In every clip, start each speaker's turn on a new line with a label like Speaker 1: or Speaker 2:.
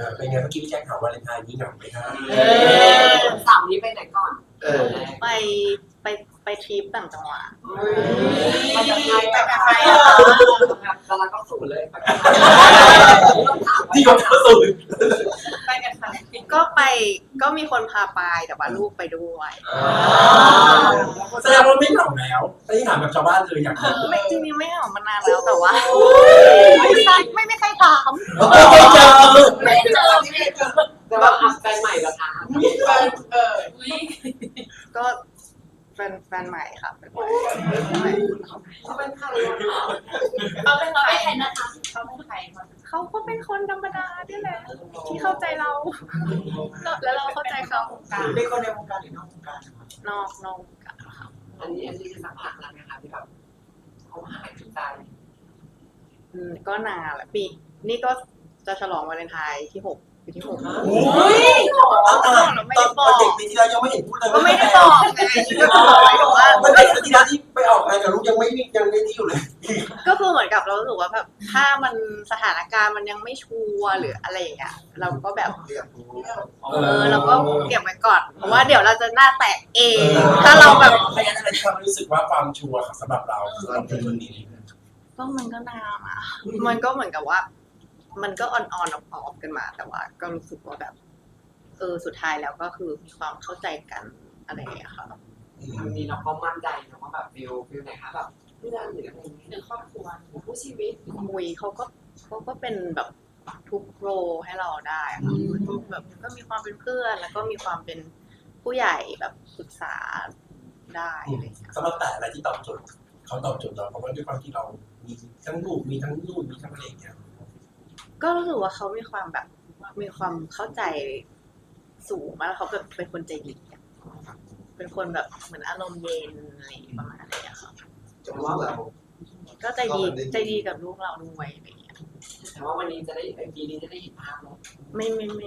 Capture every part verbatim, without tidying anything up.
Speaker 1: เป็นไงเมื่อกี้พี่แจ็คถามวาเลนไทน์นี้เหงาไหมครับ
Speaker 2: สามนี้ไปไหนก่อน
Speaker 3: ไปไปไปทริปต่างจังหวัด
Speaker 2: ไปกับใครไปกับใครตอนนั้นก็สูงเลย
Speaker 1: ที่เขาเข้าสู่
Speaker 3: ไปกันค่ะก็ไปก็มีคนพาไปแต่ว่าลูกไปด้วย
Speaker 1: แสดงว่าไม่เหงาแล้วไม่ถามแบบชาวบ้านเลยอยากรู้
Speaker 3: ไม่จริงๆไม่เหงามานานแล้วแต่ว่าไม่ใช่ไม่ไม่ใครถาม
Speaker 1: ไม่เจอ
Speaker 2: ไม่เจอไม่เจอแต่ว่าแฟนใหม่แบบอ่ะเออ
Speaker 3: ก็แฟนแฟนใหม่ค่ะเป็นใหม่
Speaker 2: เขาเป็นใคร
Speaker 3: เขาเป็นใครนะคะเขาเป็นใครเขาก็เป็นคนธรรมดาที่แหละที่เข้าใจเราแล้วเราเข้าใจเขา
Speaker 1: เป็นคนในวงการหรือนอกวงการ
Speaker 3: นอกนอกวงการ
Speaker 2: ค่ะอันนี้อันนี้คือสักพักแล้วนะคะที่แบบเขาหายจุดใจ
Speaker 3: อืมก็นานแหละปีนี่ก็จะฉลองวาเลนไทน์ที่หกปีที่หก
Speaker 1: โอ้ยเราไม่ได้บอกเด็กปีที่แล้วยังไม่เห็นพูดเลย
Speaker 3: ก็ไม่ได้บอกไงก็บอกว่า
Speaker 1: เด็กปีที่แล้วที่ไปออกงานกับลูกยังไม่ยังไม่ที่อยู่เลย
Speaker 3: ก็คือเหมือนกับเรารู้สึกว่าแบบถ้ามันสถานการณ์มันยังไม่ชัวร์หรืออะไรอย่างเงี้ยเราก็แบบเออเราก็เก็บไว้ก่อนเพราะว่าเดี๋ยวเราจะหน้าแตกเองถ้าเราแบบ
Speaker 1: ไม่งั้นอะไรที่เรารู้สึกว่าความชัวร์สำหรับเราสำหรับคนนี้
Speaker 3: ก็มันก็นานอ่ะมันก็เหมือนกับว่ามันก็ออนออนออฟกันมาแต่ว่าก็รู้สึกว่าแบบเออสุดท้ายแล้วก็คือมีความเข้าใจกันอะไรอย่างเงี้ยค่ะ
Speaker 2: วันนี้เราก็มั่นใจนะว่าแบบฟิลฟิลไหนคะแบบเพื่อนหรืออะไรนี้หรือครอบครัวหรือผู้ชีวิต
Speaker 3: มุยเขาก็เขาก็เป็นแบบทุกโรให้เราได้ค่ะแบบก็มีความเป็นเพื่อนแล้วก็มีความเป็นผู้ใหญ่แบบปรึกษาได้อะไรอย่างเงี้ย
Speaker 1: สำหรับแต่อะไรที่ตอบโจทย์เขาตอบโจทย์เราเพราะว่าด้วยความที่เรามีทั้งลูกมีทั้งลูกมีทั้งอะไรอย่างเงี้ย
Speaker 3: ก็รู้สึกว่าเขามีความแบบมีความเข้าใจสูงมากแล้วเขาแบบเป็นคนใจดีเป็นคนแบบเหมือนอารมณ์เย็นอะไรประมาณนี้ค่ะ
Speaker 2: แต่ว่าแบบ
Speaker 3: ก็ใจดีใจดีกับลูกเราด้วยอะไรอย่างเงี้ย
Speaker 2: แต่ว่าวันนี้จะได้ไอปีนี้จะได้เห็นภาพแล้ว
Speaker 3: ไม่ไม่ไม่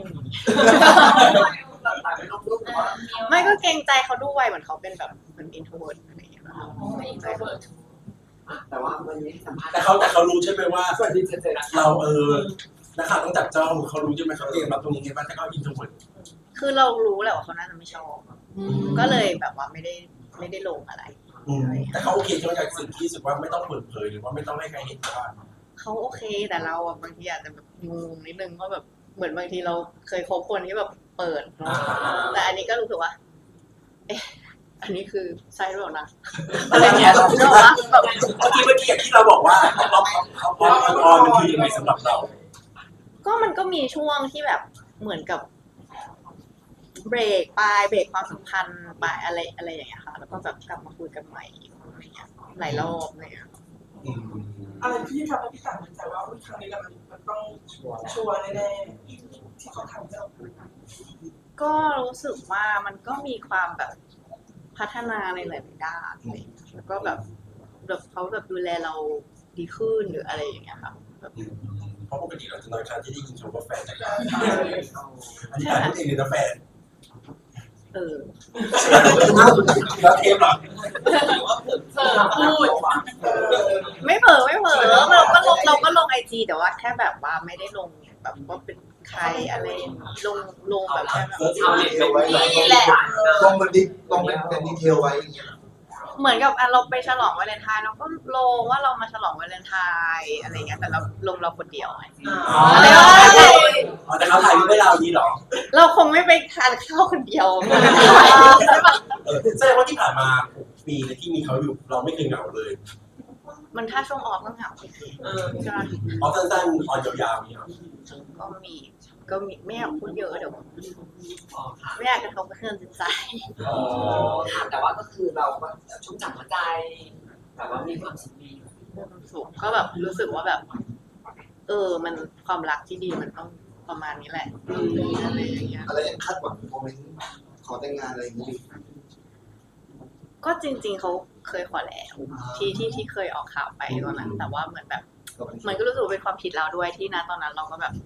Speaker 3: ไม่ก็เกรงใจเขาด้วยเหมือนเขาเป็นแบบเหมือนอินโทรเวิร์ตอะไรอย่างเงี้ยไม่อินโทรเวิร์ต
Speaker 2: แต่ว่าวันนี้สัมภาษณ์
Speaker 1: แต่เขาแต่เขารู้ใช่ไหมว่า
Speaker 2: สวัสดีเจเจ
Speaker 1: เราเออนะคะต้องจับจ้องเขารู้ใช่ไหมเขาเองรับตรงนี้ไงบ้างถ้าเขาอินโทรเวิร์ต
Speaker 3: คือเรารู้แหละว่าเขาน่าจะไม่ชอบก็เลยแบบว่าไม่ได้ไม่ได้ลงอะไร
Speaker 1: แต่เขาโอเคใช่ไหมกับสิ่งที่รู้สึกว่าไม่ต้องเปิดเผยหรือว่าไม่ต้องให้ใครเห็นว่า
Speaker 3: เขาโอเคแต่เราอ่ะบางทีอาจจะแบบงงนิดนึงเพราะแบบเหมือนบางทีเราเคยคบคนที่แบบเปิดเนาะแต่อันนี้ก็รู้สึกว่าเอ๊ะอันนี้คือใช่หรือเปล่านะอะไรเงี้ยแบบ
Speaker 1: เมื่อกี้เมื่อกี้ที่เราบอกว่าเราเขาพอพอมันคือยังไงสำหรับเรา
Speaker 3: ก็มันก็มีช่วงที่แบบเหมือนกับเบรกไปเบรกความสัมพันธ์ไปอะไรอะไรอย่างเงี้ยค่ะแล้วก็แบบกลับมาคุยกันใหม่อะไรเงี้ยหลายรอบอะไรเงี้ย
Speaker 4: อะไรที่ทำให้พี่ต่างมั่นใจว่าครั้งนี้มันต้องชัวร์แน่ๆที่เขาทำจะ
Speaker 3: ก็รู้สึกว่ามันก็มีความแบบพัฒนาในหลายๆด้านเลยแล้วก็แบบแบบเขาแบบดูแลเราดีขึ้นหรืออะไรอย่างเงี้ยค่ะ
Speaker 1: เพราะปกติเราจะน้อยครั้งที่ได้ยินคำว่าแฟนจากการอันนี้ถามเองเลยนะแฟน
Speaker 3: เออ
Speaker 1: แล้วเทปหรอ
Speaker 3: พูดไม่เผลอไม่เผลอเราก็ลงเราก็ลงไอจีแต่ว่าแค่แบบว่าไม่ได้ลงแบบว่าเป็นใครอะไรลงลงแบบแค่แบบ
Speaker 2: นี่แหละ
Speaker 5: ลงเป็นดิลงเป็นดีเทลไว้อย่างเงี้ย
Speaker 3: เหมือนกับเราไปฉลองวาเลนไทน์เราก็ลงว่าเรามาฉลองวาเลนไทน์อะไรเงี้ยแต่เราลงเราคนเดียวไง
Speaker 1: อ๋อแต่เขาถ่ายรูปให้เราดีหรอ
Speaker 3: เราคงไม่ไปทานข้าวคนเดียว
Speaker 1: ใช่ปะแสดงว่าที่ผ่านมาปีที่มีเขาอยู่เราไม่เคยเหงาเลย
Speaker 3: มันถ้าช่วงออฟก็เหงาใช่
Speaker 1: ออฟสั้นๆออนยาวๆนี่
Speaker 3: ก็มีก็มีไม่อยากพูดเยอะเดี๋ยวไม่อยากกระทบกระเทือนจิตใจ
Speaker 2: แต่ว่าก็คือเราก็ชุ่มฉ่ำหัวใจแบบว่ามีความสุขดี
Speaker 3: มีความสุขก็แบบรู้สึกว่าแบบเออมันความรักที่ดีมันต้องประมาณนี้แหละอะไรอย่างเงี้ย
Speaker 5: อะไรยังคาดหวังโมเมนต์ขอแต่งงานอะไรอย่างงี้
Speaker 3: ก็จริงๆเขาเคยขอแล้วที่ที่ที่เคยออกข่าวไปตอนนั้นแต่ว่าเหมือนแบบมันก็รู้สึกเป็นความผิดเราด้วยที่นะตอนนั้นเราก็แบบ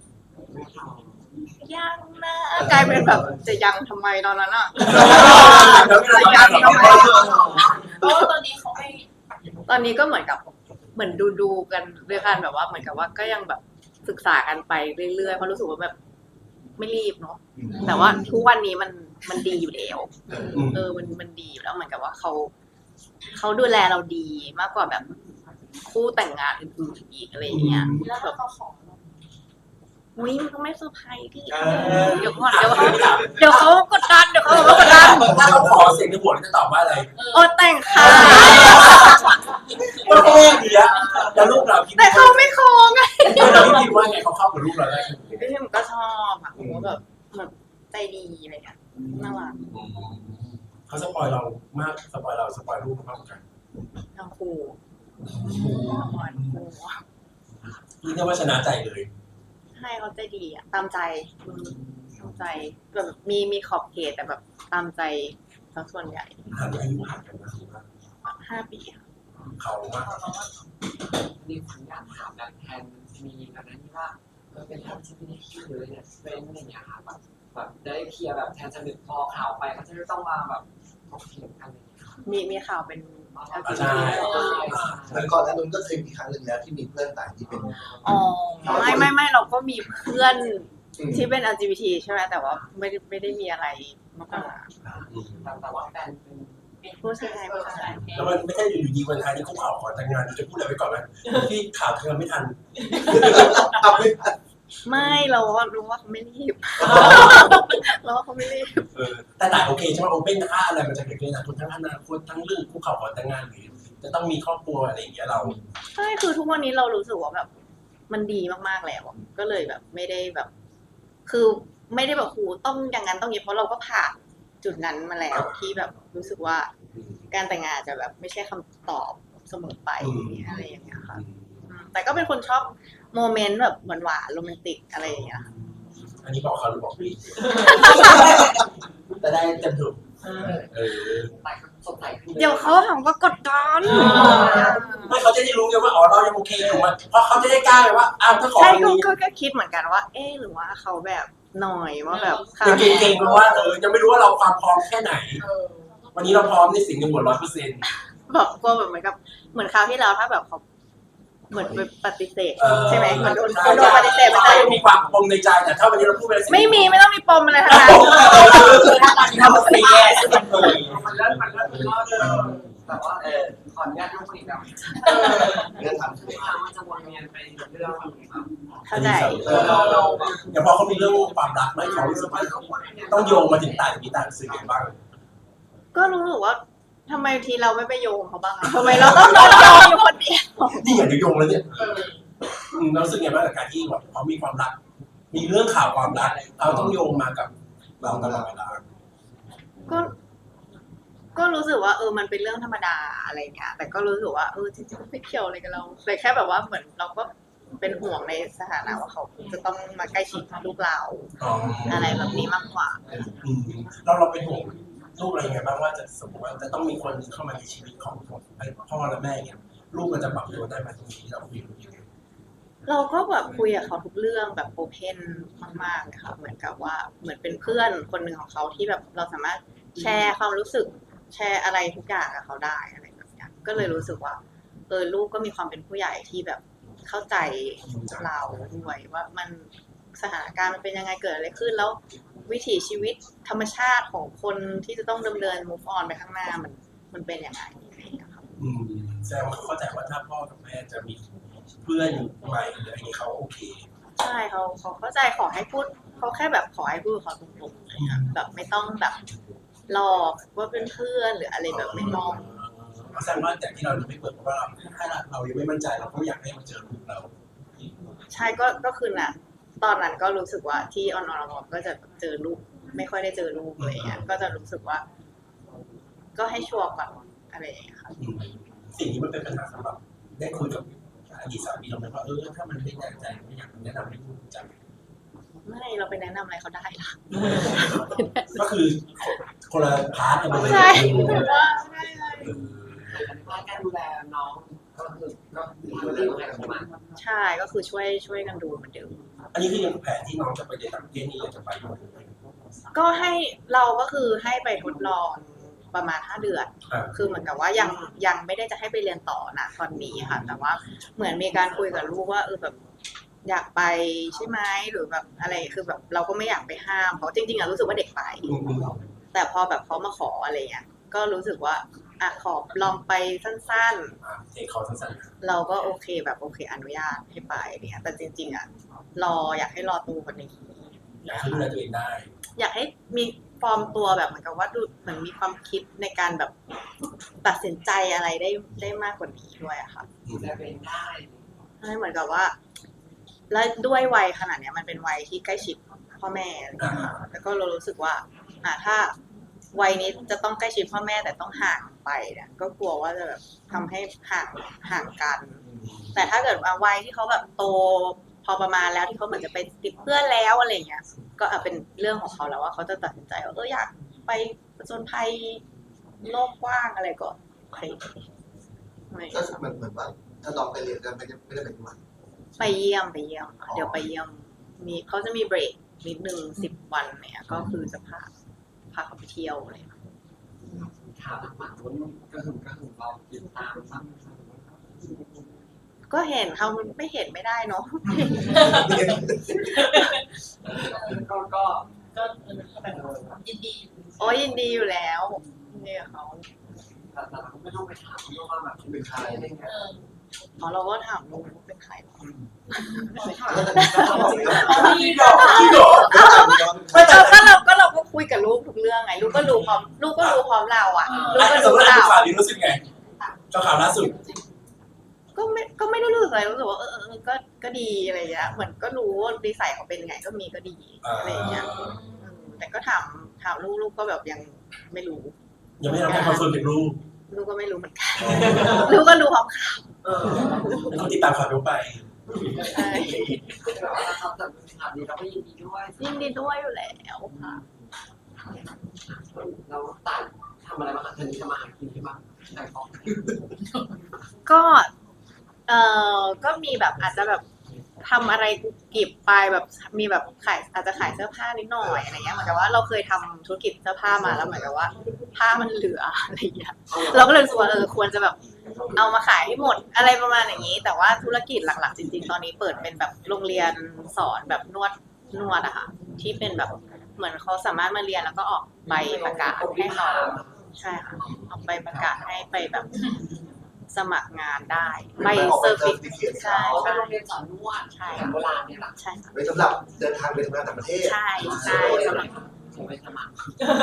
Speaker 3: ยังนะกลายเป็นแบบจะยังทำไมตอนนั้นอ่ะจะยังทำไมเพราะว่าตอนนี้เขาไม่ตอนนี้ก็เหมือนกับเหมือนดูดูกันด้วยกันแบบว่าเหมือนกับว่าก็ยังแบบศึกษากันไปเรื่อยๆเพราะรู้สึกว่าแบบไม่รีบเนาะแต่ว่าทุกวันนี้มันมันดีอยู่แล้ว
Speaker 1: อืม
Speaker 3: เออมันมันดีอยู่แล้วเหมือนกับว่าเขาเขาดูแลเราดีมากกว่าแบบคู่แต่งงานอื่นๆอีกอะไรอย่างเงี้ย
Speaker 4: แล้วถ้าเขาขอ
Speaker 3: อุ้ยมันก็ไม่เซอร์ไพรส์พี่
Speaker 1: เออ
Speaker 3: เดี๋ยวก่อนเดี๋ยวเขาเดี๋ยวเขากดดันเดี๋ยวเขากดดัน
Speaker 1: ถ้าเขาขอเสียงในหัวจะตอบว่าอะไร
Speaker 3: โอ้แต่งค่ะ
Speaker 1: ก็แค่ดีอะแล้วลูกเราคิด
Speaker 3: แต่
Speaker 1: ว่า
Speaker 3: เขาไม่โคงไง
Speaker 1: เราคิดว่าไงเขาเข้ากับลูกเราได้
Speaker 3: พี่ผมก็ชอบอะผมก็แบบแบบใจดีอะไรอย่างเงี้ยน่ารัก
Speaker 1: เขาสปอยเรามากสปอยเราสปอยลูกมากกัน
Speaker 3: ทั้งคู่อ่อนคู่
Speaker 1: นี่เรียกว่าชนะใจเลย
Speaker 3: ให้เขาใจดีอะตามใจอืมตามใจแบบมีมีขอบเขตแต่แบบตามใจทั้งส่วนใหญ่
Speaker 1: ห่างอายุห่างกันนะถือว่า
Speaker 3: ห้าปีค่ะ
Speaker 1: เขามาก
Speaker 2: มีคนอยากถามแบบแทนมีแบบนั้นที่ว่าเออเป็นทางที่ไม่ได้คิดเลยเนี่ยเป็นอะไรอย่างเงี้ยค่ะแบบแบบได้เคลียร์แบบแทนจะหนึ่งพอข่าวไปเขาจะไม่ต้องมาแบบถกเถียงกันอะไรอย่างเงี้ยค่ะ
Speaker 3: มีมีข่าวเป็น แอล จี
Speaker 1: ใช่
Speaker 3: บี ที
Speaker 5: แล้วก่อนหน้านู้นก็เคยมีครั้งหนึ่งแล้วที่มีเพื่อนต่างที่เป็น
Speaker 3: อ๋อไม่ไม่ไม่เราก็มีเพื่อน
Speaker 5: อืม
Speaker 3: ที่เป็น แอล จี บี ที ใช่ไหมแต่ว่าไม่ได้ไม่ได้มีอะไรมากกว่า
Speaker 2: แต่แต่ว่าแฟนเป็น
Speaker 3: ผู้ชายผู้ชาย
Speaker 1: แล้วมันไม่ใช่อยู่ดีวันท้ายที่คุกเข่าขอแต่งงานจะพูดอะไรไปก่อนไหมที่ข่าวเธอไม่ทัน
Speaker 5: เอาไม่ทัน
Speaker 3: ไม่เราก็รู้ว่าเขาไม่รีบเราว่าเขาไม่รีบ
Speaker 1: เออแต่แต่โอเคใช่ไหมโอเพ่นค่าอะไรมันจะเกิดขึ้นนะทั้งอนาคตทั้งเรื่องคุกเข่าขอแต่งงานหรือจะต้องมีครอบครัวอะไรอย่างเงี้ยเรา
Speaker 3: ใช่คือทุกวันนี้เรารู้สึกว่าแบบ มันดีมากๆแล้วอะก็เลยแบบไม่ได้แบบ คือไม่ได้แบบหูต้องอย่างนั้นต้องอย่างนี้เพราะเราก็ผ่านจุดนั้นมาแล้วที่แบบรู้สึกว่า การแต่งงานจะแบบไม่ใช่คำตอบเสมอไปอะไรอย่างเงี้ยค่ะอืมแต่ก็เป็นคนชอบโมเมนต์แบบหวานๆโรแมนติกอะไรอย่างเงี้ยค่ะ
Speaker 1: อันนี้บอกเขาหรือบอกพี่จะได้เต็มถูกเออ
Speaker 2: แต่สดใสขึ้น
Speaker 3: เดี๋ยวเขาหาว่ากดดัน
Speaker 1: ไม่เขาจะได้รู้ไงว่าอ๋อเรายังโอเคอยู่มั้ยเพราะเขาจะได้กล้าเลยว่าอ้าวถ้าขอ
Speaker 3: ใช่
Speaker 1: ตรง
Speaker 3: ก็
Speaker 1: นี้
Speaker 3: ก็ก็คิดเหมือนกันว่า เอ๊ะหรือว่าเขาแบบหน่อยว่าแบบ
Speaker 1: ยังเก่งๆเพราะว่าเออยังไม่รู้ว่าเราความพร้อมแค่ไหน วันนี้เราพร้อมในสิ่งในหัวร้อยเปอร์เซ็นต์
Speaker 3: แบบกลัวแบบเหมือนกับเหมือนคราวที่แล้วถ้าแบบเขาเหมือนไปปฏิเสธ
Speaker 1: เออ
Speaker 3: ใช่ไหมเหมือนโดน
Speaker 1: ใช่
Speaker 3: โดนปฏิเสธมัน
Speaker 1: ใช่
Speaker 3: จะ
Speaker 1: มีความปมในใจแต่ถ้าวันนี้เราพูดไปแล้ว
Speaker 3: ไม่มีไม่ต้องมีปมอะไรทั้งนั้น
Speaker 1: ถ้าตอนนี้เราเสียเออ
Speaker 2: มันเลิศมันเลิศมันเลิศเออแต่ว่าเออขออนุญาตลูกอีกแบบ
Speaker 5: เรื่องทำเลย
Speaker 2: มันจะวนเวียนไปเรื่องแบบ
Speaker 3: เข้าใจ
Speaker 2: เออเราเราแบบ
Speaker 1: อย่างพอเขามีเรื่องความรักไหมเขารู้สึกว่าต้องโยงมาถึงต่างมีต่างสื่อบ้าง
Speaker 3: ก็รู้สึกว่าทำไมทีเราไม่ไปโยงเขาบ้างอะทำไมเราต้องโดนโยงอยู่คนเดียว
Speaker 1: นี่อย่างเดียวโยงแล้วเนี่ยอืมเรารู้สึกไงบ้างกับการที่แบบเขามีความรัก มีเรื่องข่าวความรักเราต้องโยงมากับเราตลอดเวลา
Speaker 3: ก็ ก็รู้สึกว่าเออมันเป็นเรื่องธรรมดาอะไรเงี้ยแต่ก็รู้สึกว่าเออจริงๆไม่เกี่ยวอะไรกับเราแต่แค่แบบว่าเหมือนเราก็เป็นห่วงในสถานะว่าเขาจะต้องมาใกล้ชิดลูกเรา
Speaker 1: อ๋อ
Speaker 3: อะไรแบบนี้มากกว่า
Speaker 1: อืมเราเราเป็นห่วงลูกอะไรยังไงบ้างว่าจะสมมติว่าจะต้องมีคนเข้ามาในชีวิตของพ่อและแม่เนี่ยลูกมันจะปรับตัวได้ไหมตรงนี้เราคุยกันยังไง
Speaker 3: เราก็แบบคุยกับเขาทุกเรื่องแบบโอเพนมากๆเลยค่ะเหมือนกับว่าเหมือนเป็นเพื่อนคนหนึ่งของเขาที่แบบเราสามารถแชร์ความรู้สึกแชร์อะไรทุกอย่างกับเขาได้อะไรแบบเนี้ยก็เลยรู้สึกว่าเออลูกก็มีความเป็นผู้ใหญ่ที่แบบเข้าใจเราด้วยว่ามันสถานการณ์มันเป็นยังไงเกิดอะไรขึ้นแล้ววิถีชีวิตธรรมชาติของคนที่จะต้องดำเนิน move on ไปข้างหน้ามันมันเป็นยังไงอะไรอย่างเงี้ยครับ
Speaker 1: อืมแสดงว่าเขาเข้าใจว่าถ้าพ่อกับแม่จะมีเพื่อนใหม่หรืออะไรอย่างนี้เขาโอเค
Speaker 3: ใช่เขาเขาเข้าใจขอให้พูดเขาแค่แบบขอให้พูดกับเขาตรงๆเลยค่ะแบบไม่ต้องแบบหลอกว่าเป็นเพื่อนหรืออะไรแบบไม่ต้อง
Speaker 1: แสดงว่าแต่ที่เรายังไม่เปิดเพราะว่าเราถ้าเรายังไม่มั่นใจเราก็อยากให้มาเจอลูกเรา
Speaker 3: ใช่ก็ก็คือน่ะ ตอนนั้นก็รู้สึกว่าที่ออนออนก็จะเจอลูกไม่ค่อยได้เจอลูกอะไรเงี้ยก็จะรู้สึกว่า ก็ให้ชัวร์ก่อนอะไรอย่างเงี้ยค่ะ
Speaker 1: อืมสิ่งนี้มันเป็นปัญหาสำหรับได้คุยกับอดีตสามีเราไหมว่าเออถ้ามันไม่แน่ใจไม่อยากแนะนำให้ลูกจัง
Speaker 3: ไม่เราไปแนะนำอะไรเขาได้ล่ะ
Speaker 1: ก็คือคนละพาร์ทกันไปเลย
Speaker 3: ใช่
Speaker 1: เออ
Speaker 3: ใช่ใช่
Speaker 2: การดูแลน้องก็คือก็ดูแลอะไรประมาณ
Speaker 3: ใช่ก็คือช่วยช่วยกันดูเหมือนเดิม
Speaker 1: อันนี้คือยังแผนที่น้องจะไปเรียนต่างประเทศนี่ยังจะไปอยู่ไหม
Speaker 3: ก็ให้เราก็คือให้ไปทดลองประมาณห้าเดือน
Speaker 1: อ่า
Speaker 3: คือเหมือนกับว่ายังยังไม่ได้จะให้ไปเรียนต่อนะตอนนี้ค่ะ แต่ว่าเหมือนมีการคุยกับลูกว่าเออแบบอยากไปใช่ไหมหรือแบบอะไรคือแบบเราก็ไม่อยากไปห้ามเพราะจริงๆอะรู้สึกว่าเด็กไป
Speaker 1: อืมอืม
Speaker 3: แต่พอแบบเขามาขออะไรเงี้ยก็รู้สึกว่าอ่ะขอลองไปสั้น
Speaker 1: อ่าเทคเขาสั้น
Speaker 3: ๆ เราก็โอเคแบบโอเคอนุญาตให้ไปเนี่ยแต่จริงๆอ่ะรออยากให้รอตัวกว่านี้
Speaker 1: ๆอยากให้ดูแลตัวเองได้
Speaker 3: อยากให้มีฟอร์มตัวแบบเหมือนกับว่าดูเหมือนมีความคิดในการแบบตัดสินใจอะไรได้ได้มากกว่านี้ด้วยอะค่ะ
Speaker 2: จะเป็นได้
Speaker 3: ให้เหมือนกับว่า แล้วด้วยวัยขนาดเนี้ยมันเป็นวัยที่ใกล้ชิดพ่อแม่อะไรอย่างเงี้ยค่ะแล้วก็เรารู้สึกว่า อ่าถ้าวัยนี้จะต้องใกล้ชิดพ่อแม่แต่ต้องห่างไปเนี่ยก็กลัวว่าจะแบบทำให้ห่างห่างกัน แต่ถ้าเกิดว่าวัยที่เขาแบบโตพอประมาณแล้วที่เขาเหมือนจะไปติดเพื่อนแล้วอะไรเงี้ย ก็อ่ะเป็นเรื่องของเขาแล้วว่าเขาจะตัดสินใจว่าเอออยากไปผจญภัยโลกกว้างอะไรก็โอเคไม่
Speaker 5: ก็เหมือนเหมือนว่าถ้าลองไปเรียนก็ไม่ได้ไม่ได้เป็นวัน
Speaker 3: ไปเยี่ยมไปเยี่ยมค่ะเดี๋ยวไปเยี่ยมมีเขาจะมีเบรกนิดนึงสิบวันเนี่ยก็คือจะพาพาเขาไปเที่ยวอะไรอย่างเงี้ย
Speaker 2: ข่าวต่างๆมันกระหึ่มกระหึ่มเราติดตามบ้าง
Speaker 3: ก็เห็นเขาไม่เห็นไม่ได้เนาะ
Speaker 2: ก็ก็
Speaker 4: ก็แบบยินดี
Speaker 3: โอ้ยยินดีอยู่แล้วเนี่ยเขา
Speaker 2: แต่เราก็ไม่ต้องไปถามเพราะว่าแบบ
Speaker 5: เป็นใคร
Speaker 2: อะไรเงี้ย
Speaker 4: เออ
Speaker 3: อ๋อเราก็ถามลูกว่าเป็นใครหรอ
Speaker 4: พี่ดอก
Speaker 1: พี่โดด
Speaker 3: ไม่แต่ก็เราก็เราก็คุยกับลูกทุกเรื่องไงลูกก็รู้พร้อมลูกก็รู้พร้อมเราอ่ะลูก
Speaker 1: อ่ะ
Speaker 3: ก็
Speaker 1: สม
Speaker 3: รู้
Speaker 1: มติเรา
Speaker 3: เรา
Speaker 1: ดูข่าวนี้รู้สึกไงเจ้าข่าวล่าสุด
Speaker 3: ก็ไม่ก็ไม่ได้รู้สึกอะไรรู้สึกว่าเออเออก็ก็ดีอะไรอย่างเงี้ยเหมือนก็รู้ว่านิสัยเขาเป็นไงก็มีก็ดีอะไรอย่างเงี้ยอืมแต่ก็ถามถามลูกลูกก็แบบยังไม่รู้
Speaker 1: ยังไม่ได้รับการคอนเฟิร์มจากลูก
Speaker 3: ลูกก็ไม่รู้เหมือนกันลูกก็รู้พร้อมข่าว
Speaker 2: เออ
Speaker 1: แล้วเขาติดตามข่าวเราไป
Speaker 3: ใช่
Speaker 2: แต่ว่าเราจะข่าวดีเราก็ยินดีด้วย
Speaker 3: ยินดีด้วยอยู่แล้วค่ะ
Speaker 2: เราต่างทำอะไรบ้างคะเธอจะมาหากินที่บ้านใช่ของ
Speaker 3: ก็เอ่อก็มีแบบอาจจะแบบทำอะไรกุบกิบไปแบบมีแบบขายอาจจะขายเสื้อผ้านิดหน่อยอะไรเงี้ยเหมือนกับว่าเราเคยทำธุรกิจเสื้อผ้ามาแล้วเหมือนกับว่า ผ้ามันเหลืออะไรเงี้ยเราก็เลยรู้สึกว่าเออควรจะแบบเอามาขายให้หมดอะไรประมาณอย่างนี้ แต่ว่าธุรกิจหลักๆจริงๆตอนนี้เปิดเป็นแบบโรงเรียนสอนแบบนวดนวดอะค่ะที่เป็นแบบเหมือนเขาสามารถมาเรียนแล้วก็ออกใบประกาศให้เขาใช่ค่ะออกใบประกาศให้ไปแบบสมัครงานได้ใบเซอร์ฟิใช่
Speaker 2: อ๋อเป็น
Speaker 3: ใช่
Speaker 2: โรงเรียนสอนนวดใช่โบราณเนี่ยหรอ
Speaker 3: ใช่ค่ะ
Speaker 5: ไว้สำหรับเดินทางไปทำงานต่างประเทศ
Speaker 3: ใช่ใช่สำหรับ
Speaker 2: ผมไปสมัคร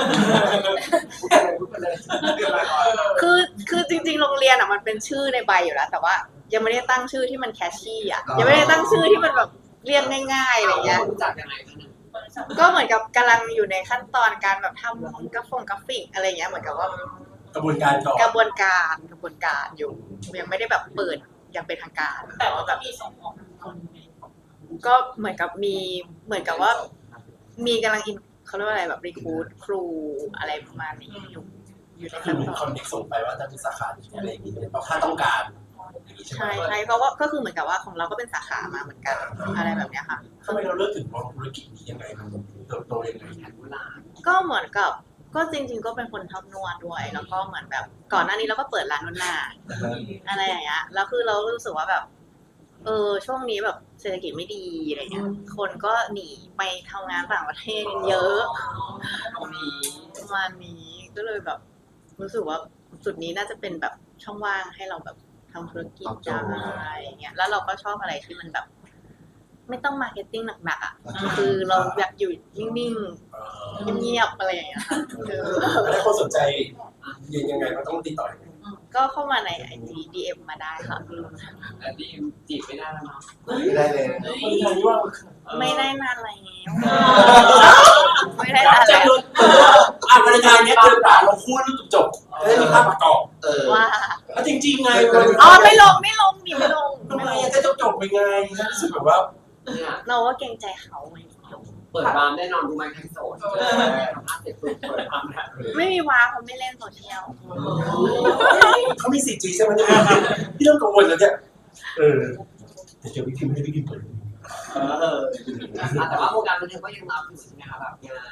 Speaker 3: คือคือจริงๆ โรงเรียนอ่ะมันเป็นชื่อในใบอยู่แล้ว แต่ว่ายังไม่ได้ตั้งชื่อที่มันแคชชี่อ่ะยังไม่ได้ตั้งชื่อที่มันแบบเรียกง่ายๆอะไรเงี้ย
Speaker 2: รู้จักยังไงคะเนี่ย
Speaker 3: ก็เหมือนกับกำลังอยู่ในขั้นตอนการแบบทำกราฟงกราฟิกอะไรเงี้ยเหมือนกับว่าก
Speaker 1: ระบวนการก่อน
Speaker 3: กระบวนการกระบวนการอยู่ยังไม่ได้แบบเปิดอย่างเป็นทางการ
Speaker 4: แต่ว่าแบบมีส่งออกคน
Speaker 3: ก็เหมือนกับมีเหมือนกับว่ามีกำลังอินเขาเรียกว่าอะไรแบบรีคูดครูอะไรประมาณนี้อยู่อยู่ใน
Speaker 1: คือ
Speaker 3: ขั้น
Speaker 1: เหมือน
Speaker 3: ตอ
Speaker 1: คอน นเน็กส่งไปว่าจะมีสาขาอะไรอย่างเงี้ยเพราะถ้าต้องการอย่างงี้ใช่ไหม
Speaker 3: ใช่ใช่เพราะว่าก็คือเหมือนกับว่าของเราก็เป็นสาขามาเหมือนกันอะไรแบบเนี้ยค่ะ
Speaker 1: ทำไมเราเลือกถึงมองธุรกิจนี้ยังไงมันเติบโตยังไง
Speaker 2: แผนโบราณ
Speaker 3: ก็เหมือนกับก็จริง ๆ ก็เป็นคนชอบนวดด้วย แล้วก็เหมือนแบบก่อนหน้านี้เราก็เปิดร้านนวดหน้าอะไรอย่างเงี้ยแล้วคือเรารู้สึกว่าแบบ เออช่วงนี้แบบเศรษฐกิจไม่ดีอะไรเงี้ยคนก็หนีไปทำงานต่างประเทศกันเยอะ
Speaker 2: ตรงนี้
Speaker 3: ประมาณนี้ก็เลยแบบ รู้สึกว่าจุดนี้น่าจะเป็นแบบช่องว่างให้เราแบบทำธุรกิจได้อย่างเงี้ยแล้วเราก็ชอบอะไรที่มันแบบ ไม่ต้องมาร์เก็ตติ้งหนักๆอ่ะคือเราอยากอยู่นิ่ง
Speaker 1: เออ
Speaker 3: ๆเงียบๆอะไรอย่างเงี้ยค่ะเออ
Speaker 1: แล้วถ้าคนสนใจเรียนยังไงก็ต้องติดต่อยังไง
Speaker 3: ก็เข้ามาในไอจีดีเอ็มมาได้ค่ะ
Speaker 2: แต่ดีจีบไม่ได้แล้วเนาะ
Speaker 5: ไม่ได้เลย
Speaker 1: คนไทยว่า
Speaker 3: ไม่ได้นานแล้วไม่ได้นาน
Speaker 1: จะ
Speaker 3: แล้ว
Speaker 1: โดนอ่ะวันไทยเนี้ยเดินป่าลงคู่แล้วจบจะได้มีภาพประกอบ
Speaker 5: เออ
Speaker 3: ว่า
Speaker 1: แล้วจริงๆไง
Speaker 3: อ๋อไม่ลงไม่ลงดิไม่ลง
Speaker 1: ทำไมอ่ะจะจบๆไปไงรู้สึกแบบว่า
Speaker 2: เนี่ย
Speaker 3: เราว่าเกรงใจเขาไง
Speaker 2: เปิดบาร์แน่นอนดูไมค์ไทโซนทำภาพเสร็จปุ๊บเปิดบาร์แล้ว
Speaker 3: ไม่มีว้าเขาไม่เล่นโซเชียล
Speaker 1: เขามี สี่จี ใช่ไหมเนี่ยพี่เริ่มกังวลแล้วเนี่ยเออแต่เจอพี่พิมพ์ไม่ได้พี่พิมพ์เปิด
Speaker 2: เออแต่ว่าวงการบันเทิงก็ยังรับอยู่ใช่ไหมคะแบบงาน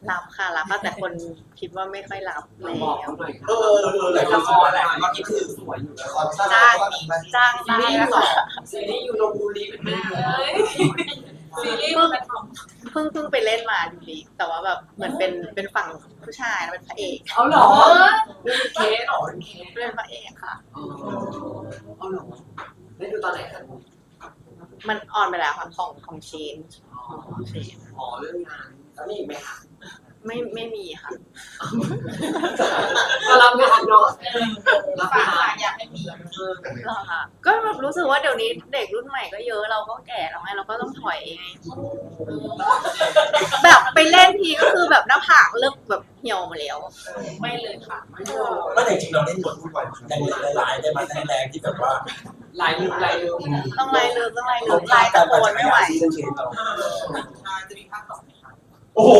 Speaker 3: รับค่ะรับแต่คนคิดว่าไม่ค่อยรับแล้
Speaker 2: บอก
Speaker 3: ว
Speaker 2: เขาหน่อยค่ะ
Speaker 5: เออเออเออหลายคน
Speaker 2: ละค
Speaker 5: รู้สึก
Speaker 2: ร
Speaker 5: ว่า
Speaker 2: แหละว่านี่คือสวยอยู่
Speaker 5: ละ
Speaker 2: แล้ว
Speaker 5: ครสั้น
Speaker 3: จ้าง
Speaker 5: ก็มีไหม
Speaker 3: จ้าง
Speaker 2: ซี
Speaker 3: ได้
Speaker 2: รีส์
Speaker 3: นะ
Speaker 2: เหรอ
Speaker 3: คะ
Speaker 2: ซีรีส์ยูโรบูรีเป็นแม่เลย
Speaker 6: ซีรีส์มันเป็นของ
Speaker 3: เพิ่งเพิ่งไปเล่นมาดูดีแต่ว่าแบบเหมือนเป็นเป็นฝั่งผู้ชายนะเป็นพระเอก
Speaker 2: เอาเหรอเป็นเคสเหรอเป็นเคส
Speaker 3: เป็นพระเอกค่ะ
Speaker 2: อ๋อเอาเหรอได้ดูตอนไหนกัน
Speaker 3: มันออนไปแล้วค่ะของของเชน
Speaker 2: อ๋อ
Speaker 3: ของเชน
Speaker 2: อ๋อเรื่องงานแล้วมีอีกไหมคะ
Speaker 3: ไม่ไม่มีค่ะ
Speaker 2: ก็รับงานเนาะรับ
Speaker 6: ฝาก
Speaker 2: งา
Speaker 6: ฝาน กอยากให้มี
Speaker 3: หรอคะก็แบบรู้สึกว่าเดี๋ยวนี้เด็กรุ่นใหม่ก็เยอะเราก็แก่แล้วไงเราก็ต้องถอยไงแบบไปเล่นทีก็คือแบบหน้าผากเริ่มแบบเหี่ยวหมาแล้ว
Speaker 6: ไม่เลยค่ะ
Speaker 2: ไม่โดน
Speaker 1: เมื่อไหร่จริงเราเล่นบททุกวันแรงๆหลายๆได้มาแรงๆที่แบบว่า
Speaker 2: ลายลืมลายลืม
Speaker 3: ต้องไล่เลือต้องไล่เลือไล่ตะโกนไม่ไหว
Speaker 1: ซีซันเชนเรา
Speaker 4: จะมีภาคสองไหมคะ
Speaker 1: โอ้โห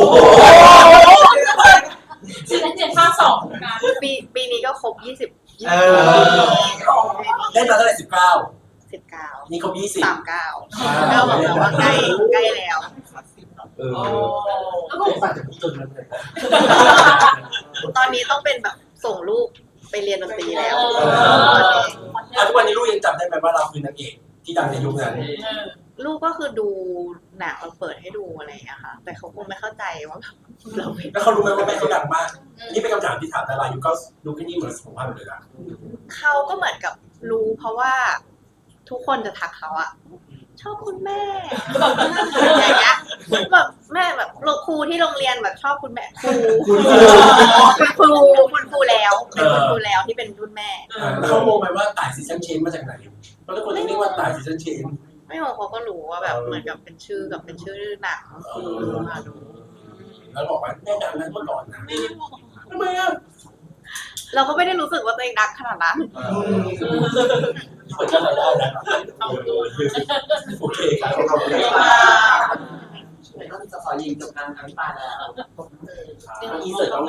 Speaker 6: ซีซั่นเจ็ดภาคสองนะ
Speaker 3: ปีปีนี้ก็ครบยี่สิบยี่
Speaker 1: เอ
Speaker 3: สิบ
Speaker 1: อเล่นมาเท่าไหร่สิบเก้า
Speaker 3: สิบเก้า
Speaker 1: นี่ครบยี่สิบ
Speaker 3: สามเก้าก็บอกแล้วว่าใกล้ใกล้แล้ว
Speaker 1: เออ
Speaker 6: แล้วก็
Speaker 1: ไม่ฝากจะพูดจนนั้นเลย
Speaker 3: ตอนนี้ต้องเป็นแบบส่งลูกไปเรียนดนตรีแล้ว
Speaker 1: อ่ะทุกวันนี้ลูกยังจำได้ไหมว่าเราคือนางเอกที่ดังในยุคนั้น
Speaker 3: ลูกก็คือดูหนังเราเปิดให้ดูอะไรอย่างเงี้ยค่ะ แต่เขาคงไม่เข้าใจว่าแบบเราเป็น
Speaker 1: แล้วเขารู้ไหมว่าแม่เขาดังมาก นี่เป็นคำถามที่ถามดารายุคเก็ดูแค่นี้เหมือนสุขภาพเลยนะ
Speaker 3: เขาก็เหมือนกับรู้เพราะว่าทุกคนจะทักเขาอะชอบคุณแม่อย่างเงี้ยแบบแม่แบบครูที่โรงเรียนแบบชอบคุณแม่ครูคุณครูคุณครูแล้วเป็นคุณครูแล้วที่เป็นรุ่นแม่
Speaker 1: แล้วเขาโมไหมว่าต่ายซีซันเชนมาจากไหนเพราะทุกคนเรียกว่าต่ายซีซันเชน
Speaker 3: ไม่รู้เขาก็รู้ว่าแบบเหมือนกับเป็นชื่อกับเป็นชื่อหนังมาดู
Speaker 1: แล้วบอกว่าแม่ดังนั้นเมื่อก่อนนะทำไมอ่ะ
Speaker 3: เราก็ไม่ได้รู้สึกว่าตัวเองดังขนาดนั้น
Speaker 1: เปิดอะไรได้นะโอเคครับขอบคุณครับ
Speaker 2: ก็จะขอยิงจบการทั้งตาแล้ว
Speaker 1: อีเสิร์ต